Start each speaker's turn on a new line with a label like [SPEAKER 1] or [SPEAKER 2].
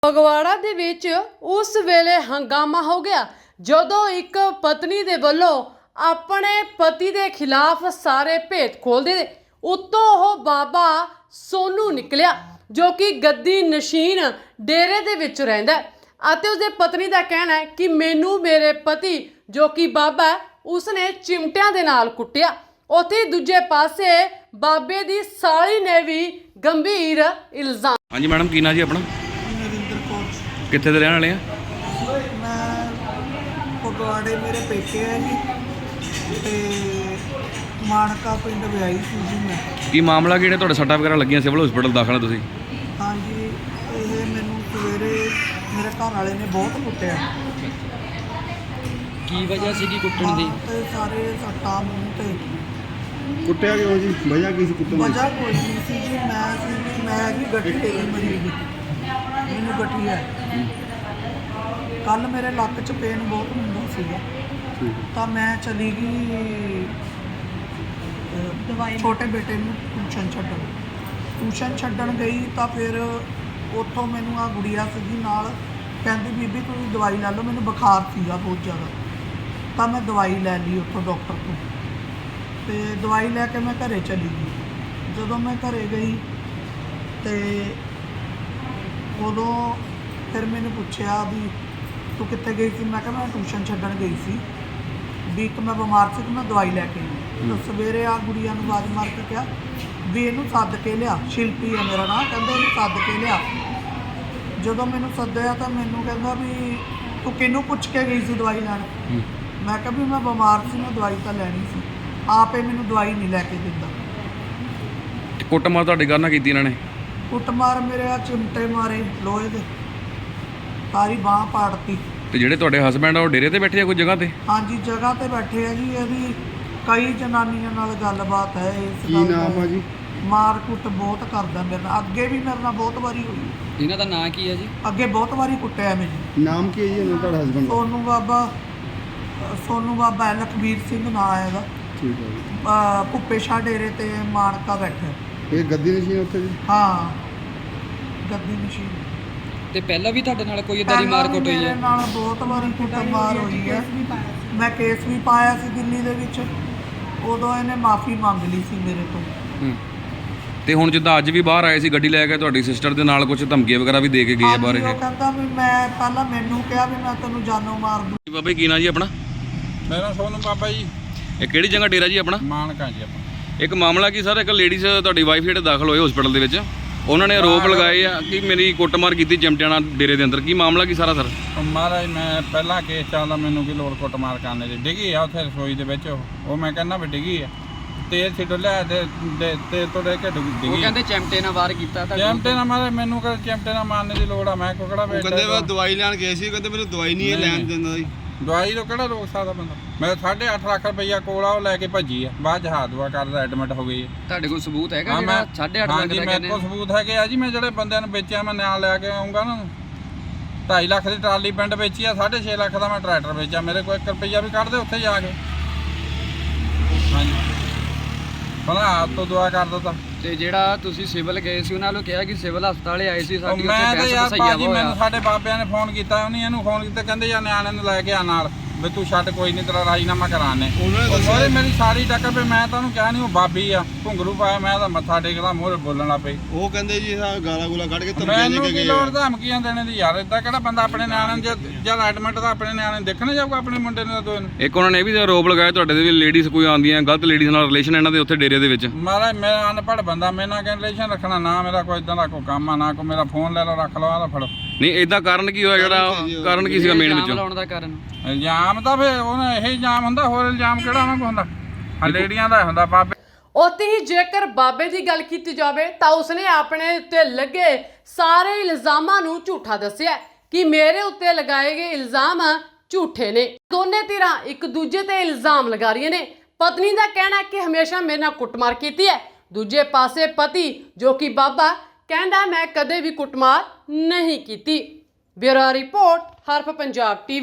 [SPEAKER 1] ਫਗਵਾੜਾ ਦੇ ਵਿੱਚ ਉਸ ਵੇਲੇ ਹੰਗਾਮਾ ਹੋ ਗਿਆ ਜਦੋਂ ਇੱਕ ਪਤਨੀ ਦੇ ਵੱਲੋਂ ਆਪਣੇ ਪਤੀ ਦੇ ਖਿਲਾਫ ਸਾਰੇ ਭੇਤ ਖੋਲ੍ਹਦੇ ਉੱਤੋਂ ਉਹ ਬਾਬਾ ਸੋਨੂ ਨਿਕਲਿਆ ਜੋ ਕਿ ਗੱਦੀ ਨਸ਼ੀਨ ਡੇਰੇ ਦੇ ਵਿੱਚ ਰਹਿੰਦਾ ਅਤੇ ਉਸਦੇ ਪਤਨੀ ਦਾ ਕਹਿਣਾ ਹੈ ਕਿ ਮੈਨੂੰ ਮੇਰੇ ਪਤੀ ਜੋ ਕਿ ਬਾਬਾ ਹੈ ਉਸਨੇ ਚਿਮਟਿਆਂ ਦੇ ਨਾਲ ਕੁੱਟਿਆ। ਉੱਥੇ ਦੂਜੇ ਪਾਸੇ ਬਾਬੇ ਦੀ ਸਾਲੀ ਨੇ ਵੀ ਗੰਭੀਰ ਇਲਜ਼ਾਮ।
[SPEAKER 2] ਹਾਂਜੀ ਮੈਡਮ, ਕੀ ਨਾਂ ਜੀ ਆਪਣਾ? ਕਿੱਥੇ ਦੇ ਰਹਿਣ ਵਾਲੇ ਆ?
[SPEAKER 3] मैं फगवाड़े मेरे पेके है जी ते मानका पिंड विआही सी जी मैं।
[SPEAKER 2] ਕੀ ਮਾਮਲਾ ਕਿਹੜੇ ਤੁਹਾਡੇ ਸੱਟਾਂ ਵਗੈरह ਲੱਗੀਆਂ, ਸਿਵਲ ਹਸਪੀਟਲ ਦਾਖਲ ਆ ਤੁਸੀਂ?
[SPEAKER 3] हाँ जी, ये मैनू सवेरे मेरे घर वाले ने बहुत कुटिया।
[SPEAKER 4] ਕੀ ਵਜ੍ਹਾ ਸੀ ਕੁੱਟਣ ਦੀ?
[SPEAKER 3] ते सारे सट्टा मूँह ते
[SPEAKER 5] ਕੁੱਟਿਆ ਕਿਉਂ ਜੀ? ਵਜ੍ਹਾ ਕੀ ਸੀ ਕੁੱਟਣ ਦੀ?
[SPEAKER 3] वजह कोई नहीं सी जी। मैं भी गठी ते मरीज मैनू गठी है। कल मेरे लक च पेन बहुत हुंदा सीगा ਤਾਂ ਮੈਂ ਚਲੀ ਗਈ ਛੋਟੇ ਬੇਟੇ ਨੂੰ ਟਿਊਸ਼ਨ ਛੱਡਣ ਗਈ ਤਾਂ ਫਿਰ ਉੱਥੋਂ ਮੈਨੂੰ ਆ ਗੁੜੀਆ ਸੀਗੀ ਨਾਲ, ਕਹਿੰਦੀ ਬੀਬੀ ਤੁਸੀਂ ਦਵਾਈ ਲੈ ਲਓ, ਮੈਨੂੰ ਬੁਖਾਰ ਸੀਗਾ ਬਹੁਤ ਜ਼ਿਆਦਾ। ਤਾਂ ਮੈਂ ਦਵਾਈ ਲੈ ਲਈ ਉੱਥੋਂ ਡਾਕਟਰ ਤੋਂ ਤੇ ਦਵਾਈ ਲੈ ਕੇ ਮੈਂ ਘਰੇ ਚਲੀ ਗਈ। ਜਦੋਂ ਮੈਂ ਘਰੇ ਗਈ ਤੇ ਉਦੋਂ ਫਿਰ ਮੈਨੂੰ ਪੁੱਛਿਆ ਵੀ ਤੂੰ ਕਿੱਥੇ ਗਈ ਸੀ? ਮੈਂ ਕਿਹਾ ਮੈਂ ਟਿਊਸ਼ਨ ਛੱਡਣ ਗਈ ਸੀ ਵੀ ਇੱਕ ਮੈਂ ਬਿਮਾਰ ਸੀ ਕਿ ਮੈਂ ਦਵਾਈ ਲੈ ਕੇ ਆਈ। ਤਾਂ ਸਵੇਰੇ ਆ ਗੁੜੀਆ ਨੂੰ ਆਵਾਜ਼ ਮਾਰ ਕੇ ਕਿਹਾ ਵੀ ਇਹਨੂੰ ਸੱਦ ਕੇ ਲਿਆ, ਸ਼ਿਲਪੀ ਹੈ ਮੇਰਾ ਨਾਂ, ਕਹਿੰਦੇ ਇਹਨੂੰ ਸੱਦ ਕੇ ਲਿਆ। ਜਦੋਂ ਮੈਨੂੰ ਸੱਦਿਆ ਤਾਂ ਮੈਨੂੰ ਕਹਿੰਦਾ ਵੀ ਤੂੰ ਕਿਹਨੂੰ ਪੁੱਛ ਕੇ ਗਈ ਸੀ ਦਵਾਈ ਲੈਣ? ਮੈਂ ਕਿਹਾ ਵੀ ਮੈਂ ਬਿਮਾਰ ਸੀ, ਮੈਂ ਦਵਾਈ ਤਾਂ ਲੈਣੀ ਸੀ, ਆਪੇ ਮੈਨੂੰ ਦਵਾਈ ਨਹੀਂ ਲੈ ਕੇ ਦਿੰਦਾ।
[SPEAKER 2] ਕੁੱਟਮਾਰ ਤੁਹਾਡੇ ਘਰ ਨਾਲ ਕੀਤੀ ਇਹਨਾਂ ਨੇ?
[SPEAKER 3] ਕੁੱਟਮਾਰ ਮੇਰੇ ਆ ਚਿਮਟੇ ਮਾਰੇ ਲੋਹੇ ਦੇ, ਸਾਰੀ ਬਾਂਹ ਪਾੜਤੀ।
[SPEAKER 2] ਤੇ ਜਿਹੜੇ ਤੁਹਾਡੇ ਹਸਬੈਂਡ ਆ ਉਹ ਡੇਰੇ ਤੇ ਬੈਠੇ ਆ ਕੋਈ ਜਗ੍ਹਾ ਤੇ?
[SPEAKER 3] ਹਾਂਜੀ, ਜਗ੍ਹਾ ਤੇ ਬੈਠੇ ਆ ਜੀ। ਇਹਦੀ ਕਈ ਜਨਾਨੀਆਂ ਨਾਲ ਗੱਲਬਾਤ ਹੈ ਇਸ
[SPEAKER 5] ਕੀ
[SPEAKER 3] ਗੱਲ
[SPEAKER 5] ਨਾਮ ਆ ਜੀ?
[SPEAKER 3] ਮਾਰ ਕੁੱਟ ਬਹੁਤ ਕਰਦਾ ਮੇਰੇ ਨਾਲ, ਅੱਗੇ ਵੀ ਮੇਰੇ ਨਾਲ ਬਹੁਤ ਵਾਰੀ ਹੋਈ,
[SPEAKER 4] ਇਹਨਾਂ ਦਾ ਨਾਂ ਕੀ ਹੈ ਜੀ? ਅੱਗੇ
[SPEAKER 3] ਅੱਗੇ ਬਹੁਤ ਵਾਰੀ ਕੁੱਟਿਆ ਮੈਨੂੰ।
[SPEAKER 5] ਨਾਮ ਕੀ ਹੈ ਜੀ ਉਹਨਾਂ ਤੁਹਾਡਾ ਹਸਬੈਂਡ ਦਾ?
[SPEAKER 3] ਸੋਨੂ ਬਾਬਾ ਹੈ, ਲਖਬੀਰ ਸਿੰਘ ਨਾਂ ਹੈ ਇਹਦਾ।
[SPEAKER 5] ਠੀਕ ਹੈ ਜੀ।
[SPEAKER 3] ਭੁੱਪੇ ਸ਼ਾਹ ਡੇਰੇ ਤੇ ਮਾਨਕਾ ਬੈਠਾ।
[SPEAKER 5] ਇਹ ਗੱਦੀ ਨਸ਼ੀਨ ਉੱਥੇ ਜੀ?
[SPEAKER 3] ਹਾਂ, ਗੱਦੀ ਮਸ਼ੀਨ।
[SPEAKER 4] ਤੇ ਪਹਿਲਾਂ ਵੀ ਤੁਹਾਡੇ ਨਾਲ ਕੋਈ ਇਦਾਂ ਦੀ ਮਾਰ ਕੁੱਟ ਹੋਈ
[SPEAKER 3] ਮੇਰੇ
[SPEAKER 4] ਹੈ?
[SPEAKER 3] ਨਾਲ ਬਹੁਤ ਵਾਰੀ ਕੁੱਟਮਾਰ ਹੋਈ ਹੈ। ਮੈਂ ਕੇਸ ਵੀ ਪਾਇਆ ਸੀ ਦਿੱਲੀ ਦੇ ਵਿੱਚ, ਉਦੋਂ ਇਹਨੇ ਮਾਫੀ ਮੰਗ ਲਈ ਸੀ ਮੇਰੇ ਤੋਂ।
[SPEAKER 2] ਤੇ ਹੁਣ ਜਿੱਦਾਂ ਅੱਜ ਵੀ ਬਾਹਰ ਆਏ ਸੀ ਗੱਡੀ ਲੈ ਕੇ, ਤੁਹਾਡੀ ਸਿਸਟਰ ਦੇ ਨਾਲ ਕੁਝ ਧਮਕੀਆਂ ਵਗੈਰਾ ਵੀ ਦੇ ਕੇ ਗਏ ਆ ਬਾਹਰ
[SPEAKER 3] ਹਾਂਜੀ,
[SPEAKER 2] ਇਹ?
[SPEAKER 3] ਉਹ ਕਹਿੰਦਾ ਵੀ ਮੈਂ ਪਹਿਲਾਂ ਮੈਨੂੰ ਕਿਹਾ ਵੀ ਮੈਂ ਤੈਨੂੰ ਜਾਨੋਂ ਮਾਰ ਦੂੰ।
[SPEAKER 2] ਬਾਬਾ ਜੀ, ਕੀ ਨਾਂ ਜੀ ਆਪਣਾ?
[SPEAKER 6] ਮੇਰਾ ਸੋਨੂ ਬਾਬਾ ਜੀ,
[SPEAKER 2] ਇਹ ਕਿਹੜੀ ਜਗ੍ਹਾ ਡੇਰਾ ਜੀ ਆਪਣਾ?
[SPEAKER 6] ਮਾਨਕਾ ਜੀ ਆਪਾਂ।
[SPEAKER 2] ਇੱਕ ਮਾਮਲਾ ਕੀ ਸਰ, ਇੱਕ ਲੇਡੀਜ਼ ਤੁਹਾਡੀ ਵਾਈਫ ਜਿਹੜੇ ਦਾਖਲ ਹੋਏ ਹਸਪੀਟਲ ਦੇ ਵਿੱਚ, ਉਹਨਾਂ ਨੇ ਆਰੋਪ ਲਗਾਏ ਆ ਕਿ ਮੇਰੀ ਕੁੱਟਮਾਰ ਕੀਤੀ ਚਿਮਟਿਆਂ ਨਾਲ ਡੇਰੇ ਦੇ ਅੰਦਰ। ਕੀ ਮਾਮਲਾ ਕੀ ਸਾਰਾ ਸਰ?
[SPEAKER 6] ਮਹਾਰਾਜ ਮੈਂ ਪਹਿਲਾਂ ਕੇਸ ਚੱਲਦਾ, ਮੈਨੂੰ ਕੀ ਲੋੜ ਕੁੱਟਮਾਰ ਕਰਨੇ ਦੀ? ਡਿੱਗੀ ਆ ਉੱਥੇ ਰਸੋਈ ਦੇ ਵਿੱਚ, ਉਹ ਮੈਂ ਕਹਿੰਦਾ ਵੀ ਡਿੱਗੀ ਆ, ਤੇਲ ਛਿੱਟ ਲਿਆ ਤੇ ਤੇਲ ਤੋਂ ਲੈ ਕੇ ਡਿੱਗੀ।
[SPEAKER 4] ਉਹ ਕਹਿੰਦੇ ਚਿਮਟੇ ਨਾਲ ਵਾਰ ਕੀਤਾ ਤਾਂ
[SPEAKER 6] ਚਿਮਟੇ ਨਾਲ ਮਾਰੇ, ਮੈਨੂੰ ਕਹਿੰਦੇ ਚਿਮਟੇ ਨਾਲ ਮਾਰਨੇ ਦੀ ਲੋੜ ਆ? ਮੈਂ ਕੋਕੜਾ ਵੇਚ
[SPEAKER 5] ਦਵਾਈ ਲੈਣ ਗਏ ਸੀ, ਕਹਿੰਦੇ ਮੈਨੂੰ ਦਵਾਈ ਨਹੀਂ ਲੈਣ ਦਿੰਦਾ ਜੀ।
[SPEAKER 6] ਦਵਾਈ ਤੋਂ ਕਿਹੜਾ ਰੋਕ ਸਕਦਾ ਬੰਦਾ? ਮੈਂ 8.5 ਲੱਖ ਰੁਪਈਆ ਕੋਲ ਆ, ਉਹ ਲੈ ਕੇ ਭੱਜੀ ਆ, ਬਾਅਦ ਜਹਾਜ਼ ਦੁਆ ਕਰਦਾ ਐਡਮਿਟ ਹੋ ਗਈ ਹੈ।
[SPEAKER 4] ਤੁਹਾਡੇ ਕੋਲ ਸਬੂਤ ਹੈਗਾ
[SPEAKER 6] ਹਾਂ,
[SPEAKER 4] ਜਿਹੜਾ 8.5 ਲੱਖ
[SPEAKER 6] ਹਾਂਜੀ,
[SPEAKER 4] ਦਾ
[SPEAKER 6] ਮੇਰੇ ਕੋਲ ਸਬੂਤ ਹੈਗੇ ਆ ਜੀ। ਮੈਂ ਜਿਹੜੇ ਬੰਦਿਆਂ ਨੂੰ ਵੇਚਿਆ ਮੈਂ ਨਾਲ ਲੈ ਕੇ ਆਉਂਗਾ ਨਾ। 2.5 ਲੱਖ ਦੀ ਟਰਾਲੀ ਪਿੰਡ ਵੇਚੀ ਆ, 6.5 ਲੱਖ ਦਾ ਮੈਂ ਟਰੈਕਟਰ ਵੇਚਿਆ। ਮੇਰੇ ਕੋਲ 1 ਰੁਪਈਆ ਵੀ ਕੱਢ ਦੇ ਉੱਥੇ ਜਾ ਕੇ। ਹਾਂਜੀ, ਭਲਾ ਆਪ ਤੋਂ ਦੁਆ ਕਰ ਦਿੱਤਾ।
[SPEAKER 4] ਤੇ ਜਿਹੜਾ ਤੁਸੀਂ ਸਿਵਲ ਗਏ ਸੀ ਉਹਨਾਂ ਨੂੰ ਕਿਹਾ ਕਿ ਸਿਵਲ ਹਸਪਤਾਲੇ ਆਏ ਸੀ, ਸਾਡੀ
[SPEAKER 6] ਮੈਂ
[SPEAKER 4] ਉੱਥੇ
[SPEAKER 6] ਤਾਂ
[SPEAKER 4] ਬਹਿਸ
[SPEAKER 6] ਯਾਰ
[SPEAKER 4] ਵਸਾਈਆ
[SPEAKER 6] ਭਾਜੀ, ਮੈਨੂੰ
[SPEAKER 4] ਹੋਇਆ।
[SPEAKER 6] ਸਾਡੇ ਬਾਬਿਆਂ ਨੇ ਫੋਨ ਕੀਤਾ, ਉਹਨੇ ਇਹਨੂੰ ਫੋਨ ਕੀਤਾ, ਕਹਿੰਦੇ ਯਾਰ ਨਿਆਣੇ ਨੂੰ ਲੈ ਕੇ ਆ ਨਾਲ, ਵੀ ਤੂੰ ਛੱਡ, ਕੋਈ ਨਹੀਂ ਤੇਰਾ ਰਾਜੀਨਾਮਾ ਕਰਾਣੇ। ਉਹਨੇ ਮੇਰੀ ਸਾਰੀ ਟੱਕਰ ਪਈ, ਮੈਂ ਤਾਂ ਉਹਨੂੰ ਕਿਹਾ ਨਹੀਂ, ਉਹ ਬਾਬੀ ਆ, ਘੁੰਗਰੂ ਪਾਇਆ, ਮੈਂ ਤਾਂ ਮੱਥਾ ਟੇਕਦਾ, ਮੂਹਰੇ ਬੋਲਣ ਲੱਗ ਪਈ।
[SPEAKER 5] ਉਹ ਕਹਿੰਦੇ ਜੀ ਗਾਲਾਂ ਗੂਲਾ ਕੱਢ ਕੇ ਧਮਕੀਆਂ ਦੇ
[SPEAKER 6] ਮੈਨੂੰ
[SPEAKER 5] ਕੇ
[SPEAKER 6] ਕੀ
[SPEAKER 5] ਗਏ
[SPEAKER 6] ਲੋੜ ਧਮਕੀਆਂ ਦੇਣੇ ਦੀ ਯਾਰ? ਏਦਾਂ ਕਿਹੜਾ ਬੰਦਾ ਆਪਣੇ ਨਿਆਣੇ ਨੂੰ ਜਦ ਐਡਮਿਟ ਦਾ ਆਪਣੇ ਨਿਆਣੇ ਨੂੰ ਦੇਖਣ ਜਾਊਗਾ, ਆਪਣੇ ਮੁੰਡੇ ਨੂੰ ਦੋਏ ਨੂੰ?
[SPEAKER 2] ਇੱਕ ਉਹਨਾਂ ਨੇ ਇਹ ਵੀ ਆਰੋਪ ਲਗਾਇਆ ਤੁਹਾਡੇ ਦੇ ਵੀ ਲੇਡੀਜ਼ ਕੋਈ ਆਉਂਦੀਆਂ ਗਲਤ ਲੇਡੀਜ਼ ਨਾਲ ਰਿਲੇਸ਼ਨ ਇਹਨਾਂ ਦੇ ਉੱਥੇ ਡੇਰੇ ਦੇ ਵਿੱਚ।
[SPEAKER 6] ਮਹਾਰਾਜ ਮੈਂ ਅਨਪੜ੍ਹ ਬੰਦਾ, ਮੇਰੇ ਨਾਲ ਰਿਲੇਸ਼ਨ ਰੱਖਣਾ ਨਾ, ਮੇਰਾ ਕੋਈ ਇਦਾਂ ਦਾ ਕੋਈ ਕੰਮ ਆ ਨਾ, ਕੋਈ ਮੇਰਾ ਫੋਨ ਲੈ ਲਓ, ਰੱਖ ਲਓ, ਆਹ ਫੜੋ।
[SPEAKER 2] ਨਹੀਂ, ਇਦਾਂ ਕਾਰਨ ਕੀ ਹੋਇਆ? ਜਿਹੜਾ ਕਾਰਨ ਕੀ ਸੀਗਾ ਮੇਨ
[SPEAKER 4] ਇਲਜ਼ਾਮ
[SPEAKER 2] ਵਿੱਚੋਂ?
[SPEAKER 4] ਲਾਉਣ ਦਾ ਕਾਰਨ
[SPEAKER 6] ਇਲਜ਼ਾਮ ਤਾਂ ਫਿਰ ਉਹਨੇ ਇਹ ਇਲਜ਼ਾਮ ਹੁੰਦਾ, ਹੋਰ ਇਲਜ਼ਾਮ ਕਿਹੜਾ ਉਹਨਾਂ ਕੋਲ ਹੁੰਦਾ? ਆ ਲੇਡੀਆਂ ਦਾ ਹੁੰਦਾ ਬਾਬੇ।
[SPEAKER 1] ਉੱਥੇ ਹੀ ਜੇਕਰ ਬਾਬੇ ਦੀ ਗੱਲ ਕੀਤੀ ਜਾਵੇ ਤਾਂ ਉਸਨੇ ਆਪਣੇ ਉੱਤੇ ਲੱਗੇ ਸਾਰੇ ਇਲਜ਼ਾਮਾਂ ਨੂੰ ਝੂਠਾ ਦੱਸਿਆ ਕਿ ਮੇਰੇ ਉੱਤੇ ਲਗਾਏ ਗਏ ਇਲਜ਼ਾਮ ਝੂਠੇ ਨੇ। ਦੋਨੇ ਧਿਰਾਂ ਇੱਕ ਦੂਜੇ ਤੇ ਇਲਜ਼ਾਮ ਲਗਾ ਰਹੀਆਂ ਨੇ। ਪਤਨੀ ਦਾ ਕਹਿਣਾ ਹੈ ਕਿ ਹਮੇਸ਼ਾ ਮੇਰੇ ਨਾਲ ਕੁੱਟਮਾਰ ਕੀਤੀ ਹੈ, ਦੂਜੇ ਪਾਸੇ ਪਤੀ ਜੋ ਕਿ ਬਾਬਾ ਕਹਿੰਦਾ ਮੈਂ ਕਦੇ ਵੀ ਕੁੱਟਮਾਰ ਨਹੀਂ ਕੀਤੀ। Bureau report, Harf Punjab TV।